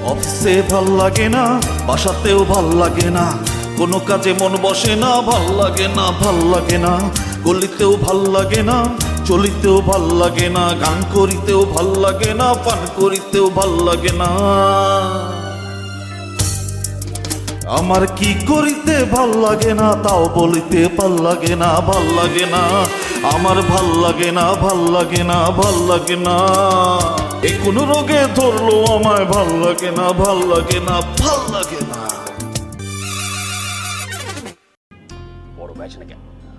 অফিসে ভাল লাগে না, বাসাতেও ভাল লাগে না, কোনো কাজে মন বসে না, ভাল লাগে না, ভাল লাগে না, গলিতেও ভাল লাগে না, চলিতেও ভাল লাগে না, গান করিতেও ভাল লাগে না, পান করিতেও ভাল লাগে না। আমার কি করিতে ভাল লাগে না তাও বলিতে ভাল লাগে না, ভাল লাগে না, আমার ভাল লাগে না, ভাল লাগে না, ভাল লাগে না। এ কোন রোগে ধরলো আমায়, ভাল লাগে না, ভাল লাগে না, ভাল লাগে না। বড় ভাই আছে নাকি?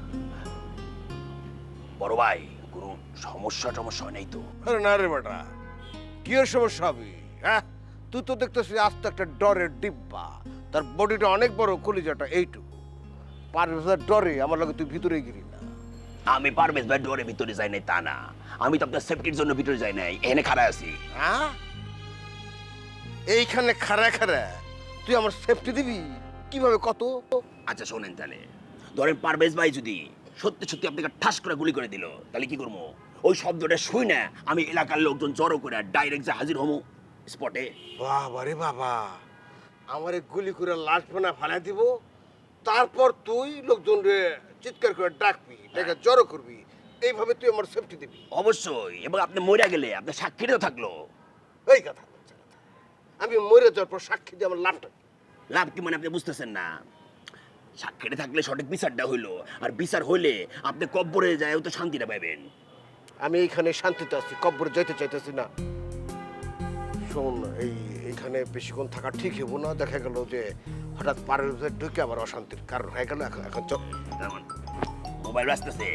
বড় ভাই কোনো সমস্যা নেই তো? আরে না রে বেটা, কি এর সমস্যা হবে? হ্যাঁ, তুই তো দেখতেছিস আস্তে একটা ডরের ডিব্বা, তার বডিটা অনেক বড়, কলিজাটা এইটুকু। পারভেজের ডরে আমার লাগে তুই ভিতরে গিরি না। আমি পারবেশ ভাই ডোরে ভিতরে যাই নাই তা না, আমি তো আপনার সেফটির জন্য ভিতরে যাই নাই, এখানে খাড়া আছি। হ্যাঁ, এইখানে খাড়া খাড়া তুই আমার সেফটি দিবি কিভাবে কত? আচ্ছা শোনেন তাহলে, ধরেন পারবেশ ভাই যদি সত্যি সত্যি আপনাকে ঠাস করে গুলি করে দিল, তাহলে কি করবো? ওই শব্দটা শুই না আমি এলাকার লোকজন জড়ো করে ডাইরেক্ট যে হাজির হবো স্পটে। বাবা রে বাবা, আমারে গুলি করে লাশ বানা ফালাই দিব, তারপর তুই লোকজন রে চিৎকার করে ডাকবি, ডেকে জড়ো করবি, এইভাবে তুই আমার সেফটি দিবি? অবশ্যই, এবং আপনি মরে গেলে আপনার সাক্ষীও থাকলো। এই কথা বলছে কথা। আমি মরে যাওয়ার পর সাক্ষী দিয়ে আমার লাভটা কি? লাভ কি মানে আপনি বুঝতেছেন না? সাক্ষীটা থাকলে সঠিক বিচারটা হইলো, আর বিচার হইলে আপনি কব্বরে যায় তো শান্তিটা পাবেন। আমি এইখানে শান্তিতে আছি, কব্বরে যাইতে চাইতেছি না। শোন, এইখানে বেশিক্ষণ থাকা ঠিক হবো না। দেখা গেল যে হঠাৎ পাড়ের ভিতরে ঢুকে আবার অশান্তির কারণ হয়ে গেল। এখন চল। যেমন মোবাইল ব্যস্তেছে।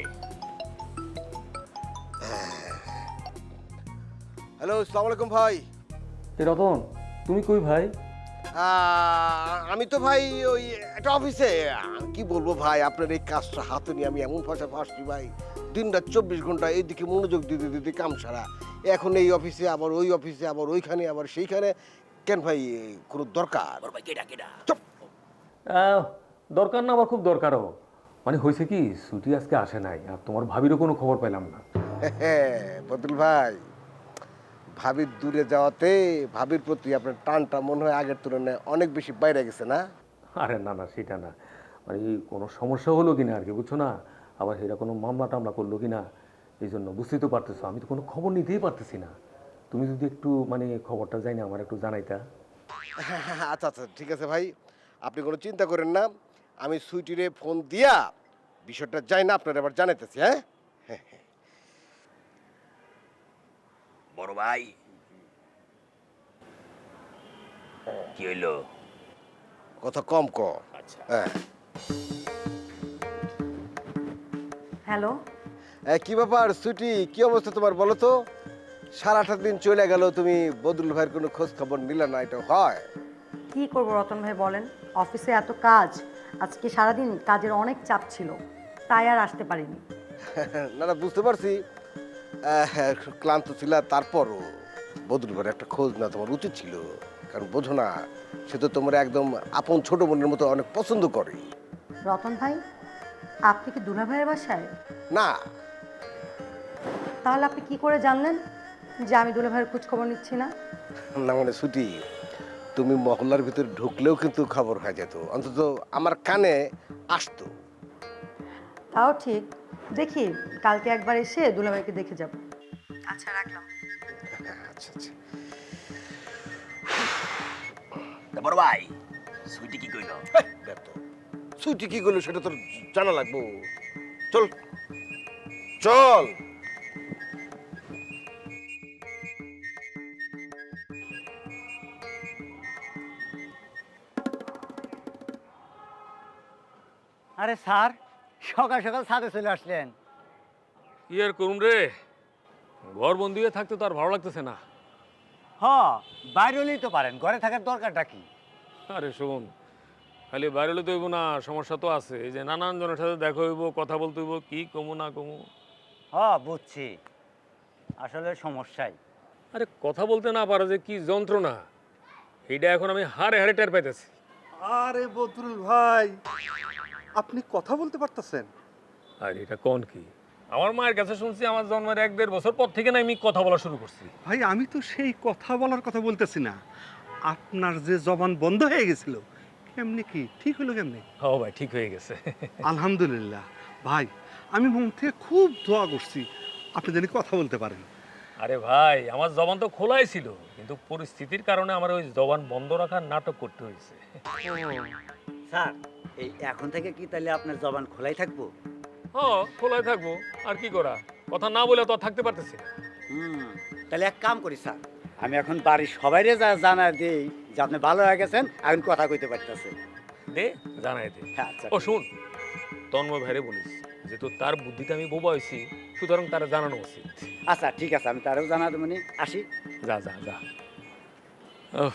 হ্যালো, আসসালামু আলাইকুম ভাই। এ রতন, তুমি কই ভাই? আমি তো ভাই ওই একটা অফিসে। কি বলবো ভাই, আপনার এই কাজটা হাতে নিয়ে আমি এমন ভাষা ফাঁসছি ভাই, দিন রাত 24 ঘন্টা এইদিকে মনোযোগ দিতে দিতে কাম সারা। এখন এই অফিসে আবার ওই অফিসে, আবার ওইখানে আবার সেইখানে। কেন ভাই, কোনো দরকার? বড় ভাই কেডা? চুপ। দরকার না, আবার খুব দরকারও। মানে হয়েছে কি, ছুটি আজকে আসে নাই, আর তোমার ভাবিরও কোনো খবর পেলাম না। বদুল ভাই, ভাবির দূরে যাওয়াতে ভাবির প্রতি আপনার টানটা মনে হয় আগের তুলনায় অনেক বেশি বাইরে গেছে না? আরে না না, সেটা না, মানে কোনো সমস্যা হলো কিনা আর কি, বুঝছো না? আবার সেটা কোনো মামলা টামলা করলো কিনা, এই জন্য বুঝতেই তো পারতেছো, আমি তো কোনো খবর নিতেই পারতেছি না। তুমি যদি একটু মানে খবরটা যাই না আমার একটু জানাইতা। আচ্ছা আচ্ছা, ঠিক আছে ভাই, আপনি কোনো চিন্তা করেন না। আমি সুইটিরে ফোন দিয়া বিষয়টা যাই না আপনার আবার জানাইতেছি। হ্যাঁ, বড় ভাই কি হইলো? কথা কম ক। আচ্ছা হ্যাঁ, হ্যালো, কি ব্যাপার সুইটি, কি অবস্থা তোমার বলো তো? সারাটা দিন চলে গেল, তুমি বদরুল ভাইয়ের কোনো খোঁজ খবর নিলে না, এটা হয়? কি করব রতন ভাই বলেন, অফিসে এত কাজ, আজকে সারাদিন কাজের অনেক চাপ ছিল, তাই আর আসতে পারিনি। না না, বুঝতে পারছি ক্লান্ত ছিল, তারপরও বদরুল ভাইয়ের একটা খোঁজ না তোমার উচিত ছিল। কারণ বোঝো না, সে তো তোমার একদম আপন ছোট বোনের মতো অনেক পছন্দ করে। রতন ভাই, আপনি কি দুলা ভাইয়ের বাসায়? না তাহলে আপনি কি করে জানলেন যে আমি দুলা ভাইয়ের খোঁজ খবর নিচ্ছি না? না মানে ছুটি, তুমি মহল্লার ভিতরে ঢুকলেও কিন্তু খবর হয়ে যেত, অন্তত আমার কানে আসতো। তাও ঠিক, দেখি কালকে একবার এসে দুলা ভাইকে দেখে যাব। আচ্ছা, রাখলাম। আচ্ছা আচ্ছা। তা বড় ভাই সুইটি কি কইলো? ছুটি কি করলো সেটা তোর জানা লাগবো। চল চল। আরে স্যার, সকাল সকাল ছাদে চলে আসলেন? কি আর করুন রে, ঘর বন্দি হয়ে থাকতে তো আর ভালো লাগতেছে না। হ, বাইরে হলেই তো পারেন, ঘরে থাকার দরকারটা কি? আরে শোন, খালি বাইরে হলে তো হইব না, সমস্যা তো আছে। এই যে নানান জনের সাথে দেখা হইব, কথা বলতে হইব, কি কমু না কমু। হ, বুঝছি, আসলে সমস্যাই। আরে কথা বলতে না পারা যে কি যন্ত্রণা, এইটা এখন আমি হাড়ে হাড়ে টের পাইতেছি। আরে বদরুল ভাই, আপনি কথা বলতে পারতেছেন? আর এটা কোন কি, আমার মায়ের কাছে শুনছি আমার জন্মের 1-1.5 বছর পর থেকে না আমি কথা বলা শুরু করছি। ভাই আমি তো সেই কথা বলার কথা বলতেছি না, আপনার যে জবান বন্ধ হয়ে গেছিল কেমনি কি ঠিক হলো কেমনি? ও ভাই ঠিক হয়ে গেছে। আলহামদুলিল্লাহ ভাই, আমি মন থেকে খুব দোয়া করছি আপনি জানি কথা বলতে পারেন। আরে ভাই আমার জবান তো খোলাই ছিল, কিন্তু পরিস্থিতির কারণে আমার ওই জবান বন্ধ রাখার নাটক করতে হয়েছে। স্যার এই এখন থেকে কি তাহলে আপনার জবান খোলাই থাকবো? হ্যাঁ খোলাই থাকবো, আর কি করা, কথা না বলে তো আর থাকতে পারতেছি না। তাহলে এক কাম করি স্যার, আমি এখন বাড়ির সবাইরে যা জানা দেই যে আপনি ভালো হয়ে গেছেন, এখন কথা কইতে পারতেছেন। দে জানাই দে। আচ্ছা ও শুন, তন্ময় ভাইরে বলিস যে তো তার বুদ্ধিতে আমি বোবা হয়েছি, সুতরাং তারা জানানো উচিত। আচ্ছা ঠিক আছে, আমি তারও জানা দেবো নি, আসি। যা যা যা। উফ,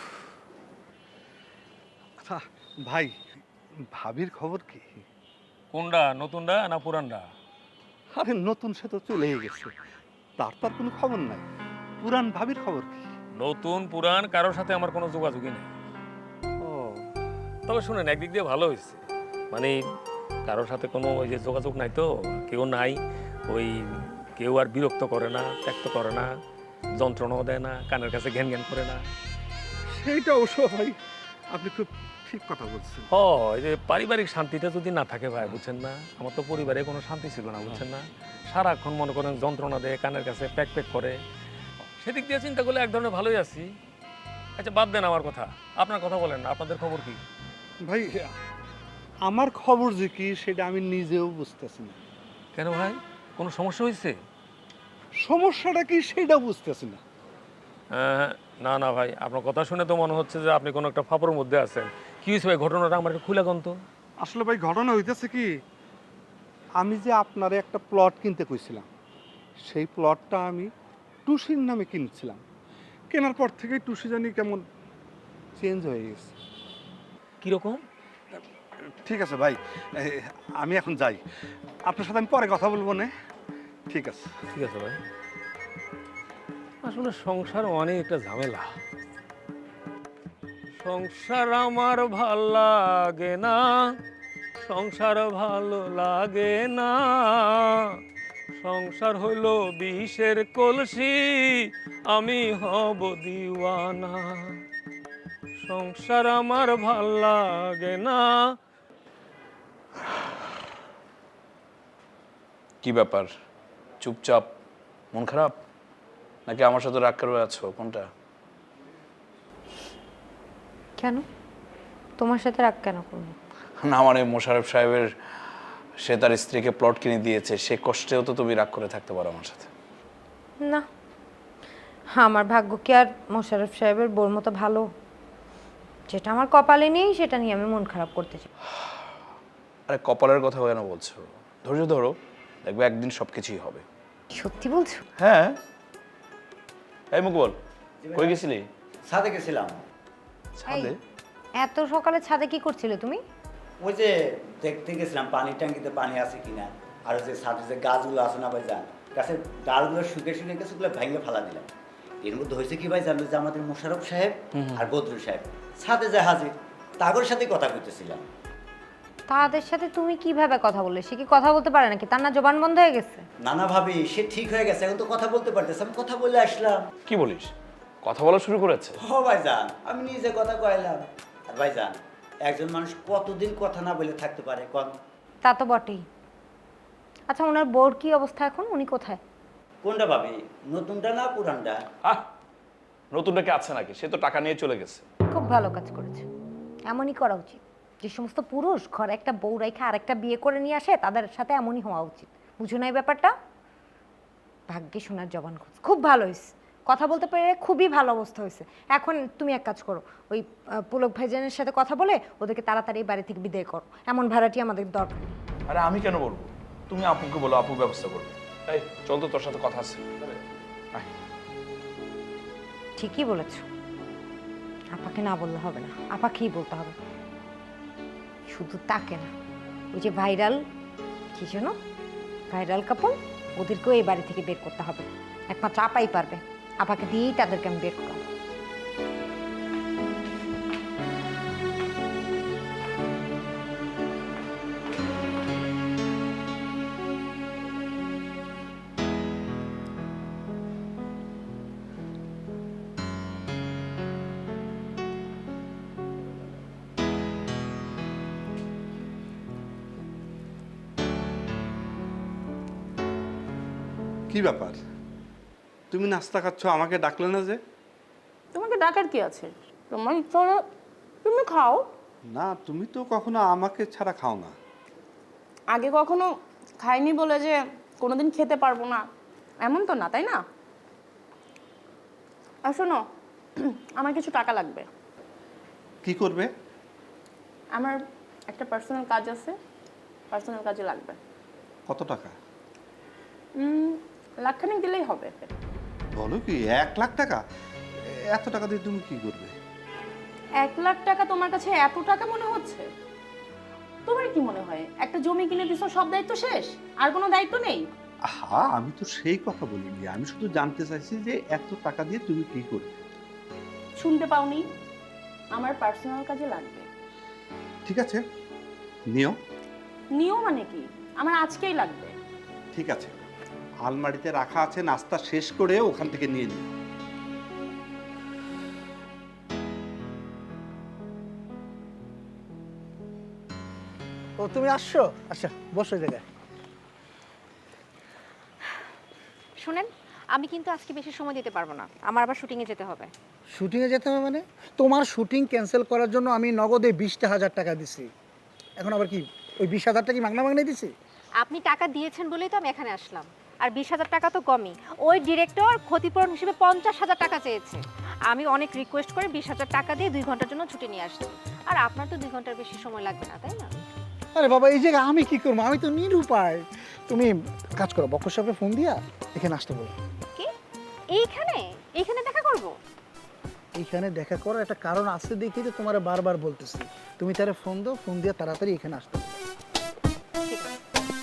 আচ্ছা ভাই, ভাবির খবর কি? কোনটা, নতুনটা না পুরানটা? আরে নতুন সে তো চলেই গেছে, তার তো আর কোনো খবর নাই। পুরান ভাবির খবর কি? নতুন পুরান কারোর সাথে আমার কোনো যোগাযোগই নেই। ও তবে শুনেন, একদিক দিয়ে ভালো হয়েছে, মানে কারোর সাথে কোনো ওই যে যোগাযোগ নাই, তো কেউ নাই, ওই কেউ আর বিরক্ত করে না, ত্যাক্ত করে না, যন্ত্রণাও দেয় না, কানের কাছে ঘ্যান ঘ্যান করে না। সেইটা অবশ্য ভাই আপনি খুব ঠিক কথা বলছেন। ও এই যে পারিবারিক শান্তিটা যদি না থাকে ভাই, বুঝছেন না, আমার তো পরিবারে কোনো শান্তি ছিল না, বুঝছেন না, সারাক্ষণ মনে করেন যন্ত্রণা দেয়, কানের কাছে প্যাক প্যাক করে। সেদিক দিয়ে চিন্তা করলে এক ধরনের ভালোই আছি। আচ্ছা বাদ দেন আমার কথা, আপনার কথা বলেন, আপনাদের খবর কি? ভাই আমার খবর যে কি সেটা আমি নিজেও বুঝতেছি না। কেন ভাই, কোনো সমস্যা হয়েছে? সমস্যাটা কি সেটা বুঝতেছি না। না না ভাই, আপনার কথা শুনে তো মনে হচ্ছে যে আপনি কোনো একটা ফাপড়ের মধ্যে আছেন। কি হয়েছে ভাই, ঘটনাটা আমার একটু খুলে গন্ত। আসলে ভাই ঘটনা হইতেছে কি, আমি যে আপনারে একটা প্লট কিনতে কইছিলাম, সেই প্লটটা আমি টুসির নামে কিনছিলাম। কেনার পর থেকে টুসি জানি কেমন চেঞ্জ হয়ে গেছে। কীরকম? ঠিক আছে ভাই, আমি এখন যাই, আপনার সাথে আমি পরে কথা বলবো না। ঠিক আছে। ঠিক আছে ভাই। আসলে সংসার অনেক একটা ঝামেলা। সংসার আমার ভাল লাগে না, সংসার ভালো লাগে না, সংসার হইল বিষের কলসি, আমি হব দিওয়ানা। সংসার আমার ভাল লাগে না। কি ব্যাপার, চুপচাপ, মন খারাপ, নাকি আমার সাথে রাগ করে আছো, কোনটা? কেন তোমার সাথে রাগ কেন করবো? না মানে মোশাররফ সাহেবের, সে তার স্ত্রীকে প্লট কিনে দিয়েছে, সে কষ্টেও তো তুমি রাগ করে থাকতে পারো আমার সাথে। না, আমার ভাগ্য কি আর মোশাররফ সাহেবের বোর মতো ভালো? যেটা আমার কপালে নেই সেটা নিয়ে আমি মন খারাপ করতে চাই। আরে কপালের কথা কেন বলছো? ধৈর্য ধরো, দেখবে একদিন সব কিছুই হবে। সত্যি বলছো? হ্যাঁ। এই মুকবল, কই গেছিলি? ছাদে গেছিলাম। ছাদে? এত সকালে ছাদে কি করছিলে তুমি? ওই যে দেখতে গেছিলাম পানির ট্যাঙ্কিতে পানি আছে কিনা, আর ওই যে ছাদে যে গাছগুলো আছে না ভাই যান, গাছের ডালগুলো শুকিয়ে শুকিয়ে গেছে, ওগুলো ভেঙে ফেলা দিলাম। এর মধ্যে হয়েছে কি ভাই জানলো, যে আমাদের মোশাররফ সাহেব আর বদরুল সাহেব ছাদে যায় হাজির, তাগর সাথে কথা কইতেছিলাম। তাদের সাথে তুমি কিভাবে কথা বললে? সে কি কথা বলতে পারে নাকি? তার না জবান বন্ধ হয়ে গেছে? নানা ভাবি সে ঠিক হয়ে গেছে, এখন তো কথা বলতে পারতেছে, আমি কথা বলে আসলাম। কি বলিস, কথা বলা শুরু করেছে? ও ভাইজান, আমি নিজে কথা কইলাম। আর ভাইজান, একজন মানুষ কতদিন কথা না বলে থাকতে পারে কোন? তা তো বটেই। আচ্ছা, ওনার বোর কি অবস্থা এখন? উনি কোথায়? কোনটা ভাবি, নতুনটা না পুরানটা? আহ, নতুনটাকে আছে নাকি, সে তো টাকা নিয়ে চলে গেছে। খুব ভালো কাজ করেছে, এমনই করা উচিত। যে সমস্ত পুরুষ ঘরে একটা বউ রেখে আরেকটা বিয়ে করে নিয়ে আসে, তাদের সাথে এমনই হওয়া উচিত। বুঝো না এই ব্যাপারটা? ভাগ্যে শোনার জবান খোঁজ, খুব ভালো হয়েছে, কথা বলতে পেরে খুবই ভালো অবস্থা হয়েছে। এখন তুমি এক কাজ করো, ওই পুলক ভাইজানের সাথে কথা বলে ওদেরকে তাড়াতাড়ি বাড়ি থেকে বিদায় করো। এমন ভাড়াটি আমাদের দরকার। আরে আমি কেন বলবো, তুমি আপুকে বলো, আপু ব্যবস্থা করবে। এই চল তো, তোর সাথে কথা আছে। আয়। ঠিকই বলেছ, আপাকে না বললে হবে না, আপাকেই বলতে হবে। শুধু তাকে না, ওই যে ভাইরাল কি যেন, ভাইরাল কাপড়, ওদেরকেও এই বাড়ি থেকে বের করতে হবে। একমাত্র আপাই পারবে, আপাকে দিয়েই তাদেরকে আমি বের করাবো। কি ব্যাপার, তুমি নাস্তা খাচ্ছ, আমাকে ডাকলে না যে? তোমাকে ডাকার কি আছে? তোমার ইচ্ছা হলে তুমি খাও। না, তুমি তো কখনো আমাকে ছাড়া খাও না। আগে কখনো খাইনি বলে যে কোনোদিন খেতে পারবো না এমন তো না, তাই না? আর শোনো, আমার কিছু টাকা লাগবে। কি করবে? আমার একটা পার্সোনাল কাজ আছে, পার্সোনাল কাজে লাগবে। কত টাকা? লাখখানেক দিলেই হবে। বলো কি, 1 লাখ টাকা? এত টাকা দিয়ে তুমি কি করবে? 1 লাখ টাকা তোমার কাছে এত টাকা মনে হচ্ছে? তোমার কি মনে হয় একটা জমি কিনে দিছো সব দায়িত্ব শেষ, আর কোনো দায়িত্ব নেই? হ্যাঁ, আমি তো সেই কথা বলিনি, আমি শুধু জানতে চাইছি যে এত টাকা দিয়ে তুমি কি করবে। শুনতে পাওনি? আমার পার্সোনাল কাজে লাগবে। ঠিক আছে, নিও। নিও মানে কি? আমার আজকেই লাগবে। ঠিক আছে, আলমারিতে রাখা আছে, নাস্তা শেষ করে ওখান থেকে নিয়ে নিও। ও তুমি আসছো? আচ্ছা বসো এই জায়গায়। শুনেন, আমি কিন্তু আজকে বেশি সময় দিতে পারবো না, আমার আবার শুটিংয়ে যেতে হবে। শুটিংয়ে যেতে হবে মানে? তোমার শুটিং ক্যান্সেল করার জন্য আমি নগদে 20,000 টাকা দিছি, এখন আবার কি ওই 20,000 টাকা কি মাগনা মাগনা দিছি? আপনি টাকা দিয়েছেন বলেই তো আমি এখানে আসলাম। আর 20,000 টাকা তো কমই, ওই ডিরেক্টর ক্ষতিপূরণ হিসেবে 50,000 টাকা চেয়েছে। আমি অনেক রিকোয়েস্ট করে 20,000 টাকা দিয়ে 2 ঘন্টার জন্য ছুটি নিয়ে আসছি। আর আপনার তো 2 ঘন্টার বেশি সময় লাগবে না, তাই না? আরে বাবা, এই জায়গায় আমি কি করবো? আমি তো নিরুপায়। তুমি কাজ করো, বক্কর সাহেবকে ফোন দিয়া এখানে আসতে বলো। কি এইখানে এইখানে দেখা করব? এইখানে দেখা করার একটা কারণ আছে দেখি তো তোমার বারবার বলতেছি। তুমি তারে ফোন দাও, ফোন দিয়ে তাড়াতাড়ি এখানে আসতে বলো। ঠিক আছে।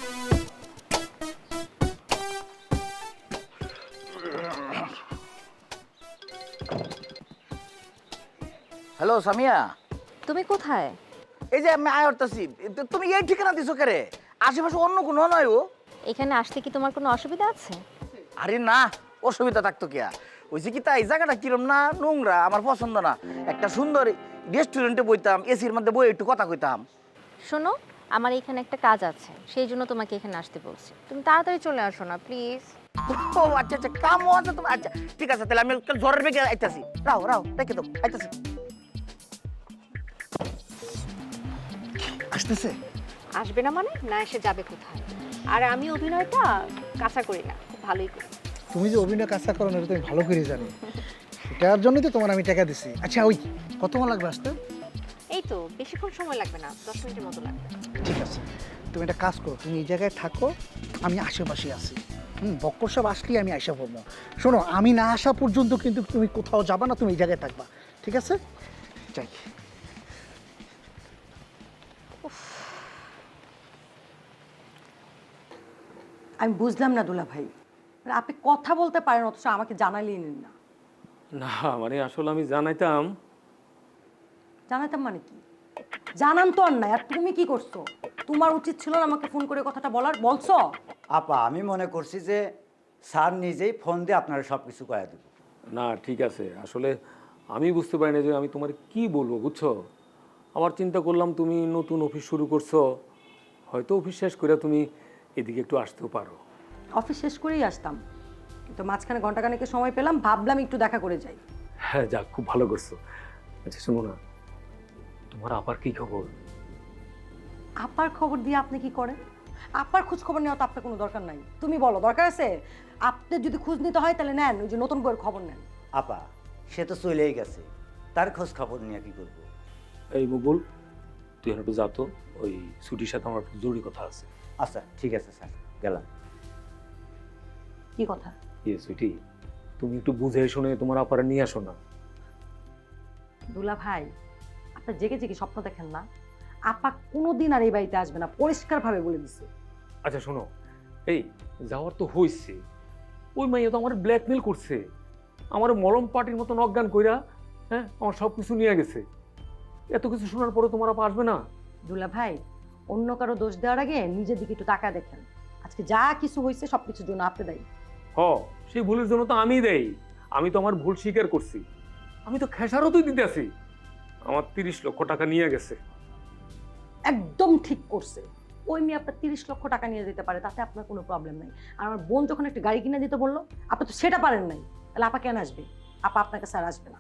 হ্যালো সামিয়া, তুমি কোথায়? এই যে আমি আয় হরতাছি, তুমি এই ঠিকানা দিছো কেরে? আশেপাশে অন্য কোনো নয় ও? এখানে আসতে কি তোমার কোনো অসুবিধা আছে? আরে না, অসুবিধা থাকতো কি? ওই যে কি তাই জায়গাটা কিরম না নোংরা, আমার পছন্দ না। একটা সুন্দর রেস্টুরেন্টে বইতাম, এসির মধ্যে বই একটু কথা কইতাম। শোনো, আমার এখানে একটা কাজ আছে, সেই জন্য তোমাকে এখানে আসতে বলছি। তুমি তাড়াতাড়ি চলে আসো না প্লিজ। ও আচ্ছা আচ্ছা, কামও আছে তোমার? আচ্ছা ঠিক আছে, তাহলে আমি কাল ঝড়ের বেগে আইতাছি। রাও রাও, রেখে দাও, আইতাছি। আসতেছে? আসবে না মানে না এসে যাবে কোথায়? আর আমি অভিনয়টা কাঁচা করি না, খুব ভালোই করি। তুমি যে অভিনয় কাজটা করো না, এটা তুমি ভালো করে জানি। এটার জন্যই তো তোমার আমি টাকা দিছি। আচ্ছা ওই কতক্ষণ লাগবে আসতে? এই তো বেশিক্ষণ সময় লাগবে না, 10 মিনিটের মতো লাগবে। ঠিক আছে, তুমি একটা কাজ করো, তুমি এই জায়গায় থাকো, আমি আশেপাশে আছি। বক্কর সাহেব আসলেই আমি আসা পড়বো। শোনো, আমি না আসা পর্যন্ত কিন্তু তুমি কোথাও যাবা না, তুমি এই জায়গায় থাকবা, ঠিক আছে? যাই। আমি বুঝলাম না দুলা ভাই, মানে আপনি কথা বলতে পারেন অথচ আমাকে জানালেই নিন না। না মানে আসলে আমি জানাইতাম। জানাতাম মানে কি? জানান তো আর নাই। আর তুমি কি করছো? তোমার উচিত ছিল না আমাকে ফোন করে কথাটা বলার, বলছো? আপা, আমি মনে করছি যে স্যার নিজেই ফোন দিয়ে আপনারা সব কিছু কয়ে দেব। না ঠিক আছে, আসলে আমি বুঝতে পারি না যে আমি তোমার কি বলবো, বুঝছো? আবার চিন্তা করলাম তুমি নতুন অফিস শুরু করছো, হয়তো অফিস শেষ করে তুমি এদিকে একটু আসতেও পারো। অফিস শেষ করেই আসতাম, কিন্তু মাঝখানে ঘন্টাখানেকের সময় পেলাম, ভাবলাম একটু দেখা করে যাই। হ্যাঁ যাক, খুব ভালো করছো। আচ্ছা শোনো না, তোমার আপার কি খবর? আপার খবর দিয়ে আপনি কি করেন? আপার খোঁজ খবর নেওয়া তো আপনার কোনো দরকার নাই। তুমি বলো দরকার আছে? আপনি যদি খোঁজ নিতে হয় তাহলে নেন, ওই যে নতুন বইয়ের খবর নেন। আপা, সে তো চলেই গেছে, তার খোঁজ খবর নিয়ে কি করবো? এই বকুল, তুই একটু যা তো, ওই ছুটির সাথে আমার একটু জরুরি কথা আছে। আচ্ছা ঠিক আছে স্যার, গেলাম। কি কথা? ইয়ে সুইটি, তুমি একটু বুঝে শুনে তোমার আপারে নিয়ে আসো না। দুলা ভাই, আপনার জেগে জেগে স্বপ্ন দেখেন না? আপা কোনোদিন আর এই বাড়িতে আসবে না, পরিষ্কারভাবে বলে দিচ্ছে। আচ্ছা শোনো, এই যাওয়ার তো হয়েছে, ওই মাইয়া তো আমার ব্ল্যাকমেল করছে, আমার মলম পার্টির মতন অজ্ঞান কইরা, হ্যাঁ আমার সব কিছু নিয়ে গেছে। এত কিছু শোনার পরে তোমার আপা আসবে না? দুলা ভাই, অন্য কারো দোষ দেওয়ার আগে নিজের দিকে একটু তাকায় দেখেন। আজকে যা কিছু হয়েছে সব কিছুর জন্য আপনি দায়ী। সেই ভুলের জন্য তো আমি দেই, আমি তো আমার ভুল স্বীকার করছি, আমি তো খেসারতই দিতে আছি। আমার 30 লক্ষ টাকা নিয়ে গেছে। একদম ঠিক করছে। ওই মেয়ে আপনার 30 লক্ষ টাকা নিয়ে যেতে পারে, তাতে আপনার কোনো প্রবলেম নাই। আর আমার বোন যখন একটা গাড়ি কিনে দিতে বললো, আপনি তো সেটা পারেন নাই, তাহলে আপা কেন আসবে? আপা আপনার কাছে আর আসবে না।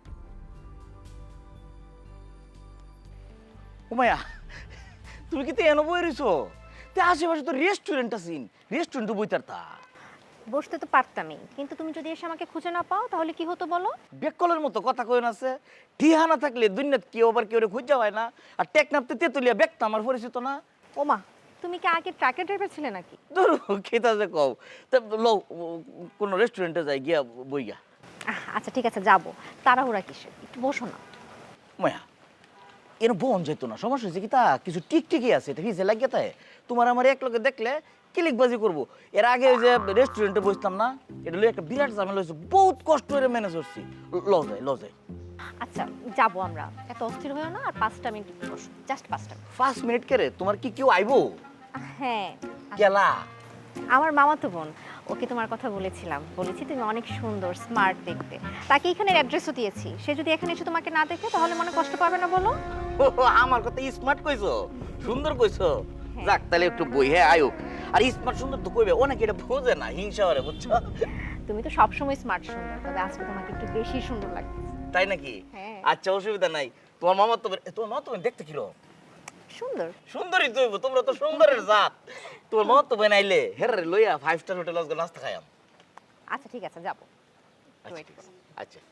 উমায়া, তুমি কি তো এনে বই রইছো? তে আশেপাশে তো রেস্টুরেন্ট আছেন, রেস্টুরেন্টে বইতার তা। বসতে তো পারতামই, কিন্তু তুমি যদি এসে আমাকে খুঁজে না পাও তাহলে কি হতো বলো? বেকলের মতো কথা কইন আছে। ঠিহানা থাকলে দুনিয়াত কেউ আবার কেউ খুঁজা হয় না। আর টেকনাপতে তেতুলিয়া ব্যক্ত আমার পরিচিত না। ওমা, তুমি কি আগে ট্রাকের ড্রাইভার ছিলে নাকি? ধরো খেতা যে কও, তা লো কোনো রেস্টুরেন্টে যাই গিয়া বইগা। আচ্ছা ঠিক আছে, যাবো। তাড়াহুড়া কিসের, একটু বসো না। মায়া, এর বোন যেত না, সমস্যা হয়েছে কি তা কিছু টিকটিকি আছে, এটা হিসে লাগিয়ে তাই তোমার আমার এক লোকে দেখলে ক্লিকবাজি করবো। এর আগে ওই যে রেস্টুরেন্টে বসতাম না, এটা লই একটা বিরাট ঝামেলা হয়েছে, বহুত কষ্ট করে ম্যানেজ করছি। ল যাই। আচ্ছা যাবো আমরা, এত অস্থির হয়েও না। আর 5টা মিনিট বসো, জাস্ট 5টা মিনিট। 5 মিনিট করে তোমার কি কেউ আইবো? হ্যাঁ, কেলা আমার মামাতো বোন, ওকে তোমার কথা বলেছিলাম, বলেছি তুমি অনেক সুন্দর, স্মার্ট দেখতে। তাকে এখানের অ্যাড্রেসও দিয়েছি। সে যদি এখানে এসে তোমাকে না দেখে তাহলে মনে কষ্ট পাবে না বলো? আমার কথা স্মার্ট কইছো, সুন্দর কইছো। যাক তাহলে একটু বই, হ্যাঁ আয়ো। আর স্মার্ট সুন্দর তো কইবে, অনেকে এটা বোঝে না, হিংসা করে, বুঝছো? তুমি তো সবসময় স্মার্ট সুন্দর, তবে আজকে তোমাকে একটু বেশি সুন্দর লাগছে। তাই নাকি? হ্যাঁ। আচ্ছা অসুবিধা নাই। তোমার মামা তো দেখতে কিরকম? সুন্দর। সুন্দরই তো হইবো, তোমরা তো সুন্দরের জাত। তোমার মামা তো বানাইলে হেরে লইয়া 5 স্টার হোটেল আজকে নাস্তা খাইয়াম। আচ্ছা ঠিক আছে, যাবো। আচ্ছা।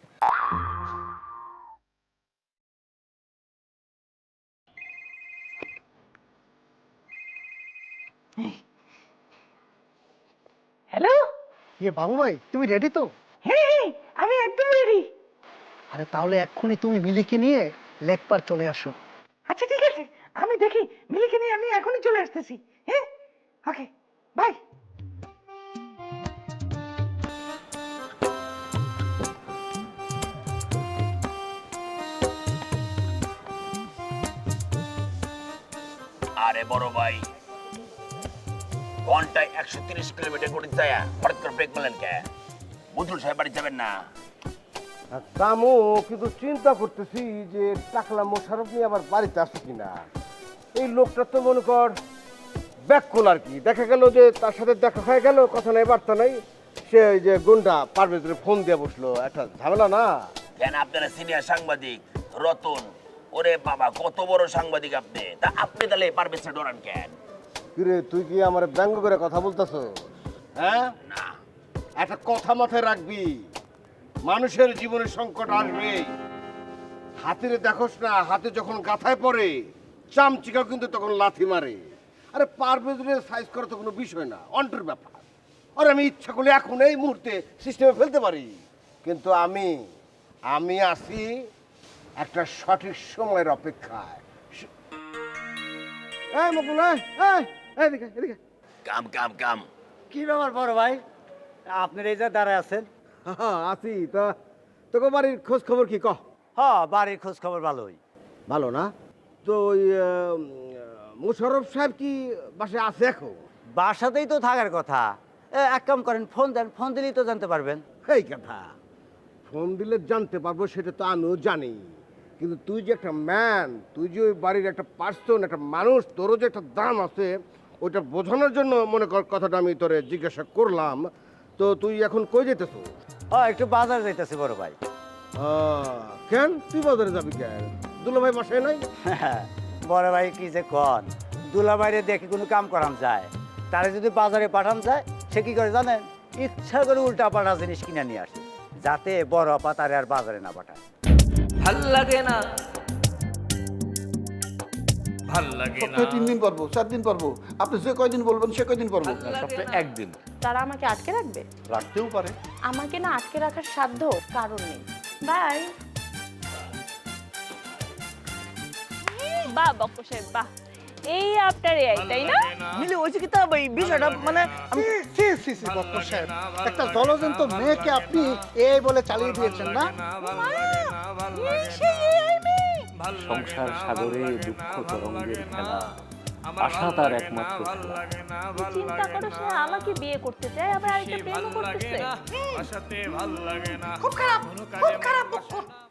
হ্যালো, বাবু ভাই, তুমি রেডি তো? হ্যাঁ, আমি একদম রেডি। আরে তাহলে এক্ষুনি তুমি মিলিকে নিয়ে লেকপার চলে আসো। আচ্ছা ঠিক আছে, আমি দেখি মিলিকে নিয়ে আমি এখনই চলে আসতেছি। হ্যাঁ, ওকে, বাই। আরে বড় ভাই, ঘন্টায় 130 কিলোমিটার করে যায়, হঠাৎ করে ব্রেক মারলেন কে? বুঝুন সাহেব বাড়ি যাবেন না? কামো, কিন্তু চিন্তা করতেছি যে টাকলা মোশারফ নিয়ে আবার বাড়িতে আসে কিনা। এই লোকটা তো মনে কর ব্যাককুল আর কি। দেখা গেল যে তার সাথে দেখা হয়ে গেল, কথা নাই বার্তা নাই, সে ওই যে গুন্ডা পারভেজের ফোন দিয়ে বসলো। একটা ঝামেলা না? কেন আপনারা সিনিয়র সাংবাদিক রতন, ওরে বাবা কত বড় সাংবাদিক আপনি, তা আপনি তাহলে পারভেজে ডরান কেন? কিরে, তুই কি আমার ব্যঙ্গ করে কথা বলতেছ? হ্যাঁ, না, একটা কথা মাথায় রাখবি, মানুষের জীবনে সংকট আসবে। হাতিরে দেখোস না, হাতি যখন গাথায় পড়ে চামচিকা কিন্তু তখন লাথি মারে। আরে পারভেজের সাইজ করা তো কোনো বিষয় না, অন্টের ব্যাপার। আর আমি ইচ্ছা করলে এখন এই মুহূর্তে সিস্টেমে ফেলতে পারি, কিন্তু আমি আছি একটা সঠিক সময়ের অপেক্ষায়। এই মকুল, এদিকে এদিকে। কাম কাম কাম। কি ব্যাপার বড় ভাই, আপনার এই যে দাঁড়ায় আছেন? হ্যাঁ আছি। তা তোকে বাড়ির খোঁজ খবর কি কহ? হ্যাঁ, বাড়ির খোঁজ খবর ভালোই। ভালো না? তো ওই মোশাররফ সাহেব কি বাসায় আছে এখন? বাসাতেই তো থাকার কথা। এক কাম করেন, ফোন দেন, ফোন দিলেই তো জানতে পারবেন। এই কথা, ফোন দিলে জানতে পারবো সেটা তো আমিও জানি, কিন্তু তুই যে একটা ম্যান, তুই যে ওই বাড়ির একটা পার্সন, একটা মানুষ, তোরও যে একটা দাম আছে, ওইটা বোঝানোর জন্য মনে কর কথাটা আমি তোরে জিজ্ঞাসা করলাম। তো তুই এখন কই যেতেছ? হ্যাঁ, একটু বাজার যাইতেছি বড় ভাই। কেন তুই বাজারে যাবি কেন? দুলাভাই বাসায় নাই? বড় ভাই কি যে কন, দুলা বাইরে দেখে কোনো কাম করাম যায়? তারে যদি বাজারে পাঠান যায়, সে কি করে জানেন? ইচ্ছা করে উল্টা পাল্টা জিনিস কিনে নিয়ে আসে, যাতে বড় আপা তারে আর বাজারে না পাঠায়। ভাল লাগে না, ভাল লাগে না। 3 দিন পারবো, 4 দিন পারবো, আপনি যে কয়দিন বলবেন সে কয়দিন পারবো। সপ্তাহে একদিন তারা আমাকে আটকে রাখবে? রাখতেও পারে। আমাকে না আটকে রাখার সাধ্য কারণ নেই। বাই। বাহ বক্কর সাহেব, বাহ, এই আপনার এই, তাই না? মিলে হয়েছে কি তা ভাই, বিষয়টা মানে আমি বক্কর সাহেব, একটা জলজন্ত মেয়েকে আপনি এই বলে চালিয়ে দিয়েছেন না? সংসার সাগরে দুঃখ তরঙ্গের খেলা, আশা তার একমাত্র খেলা। চিন্তা করো, সে আমাকে বিয়ে করতে চায়, আবার আরেকটা প্রেমও করতেছে। খুব খারাপ, খুব খারাপ বক্কর।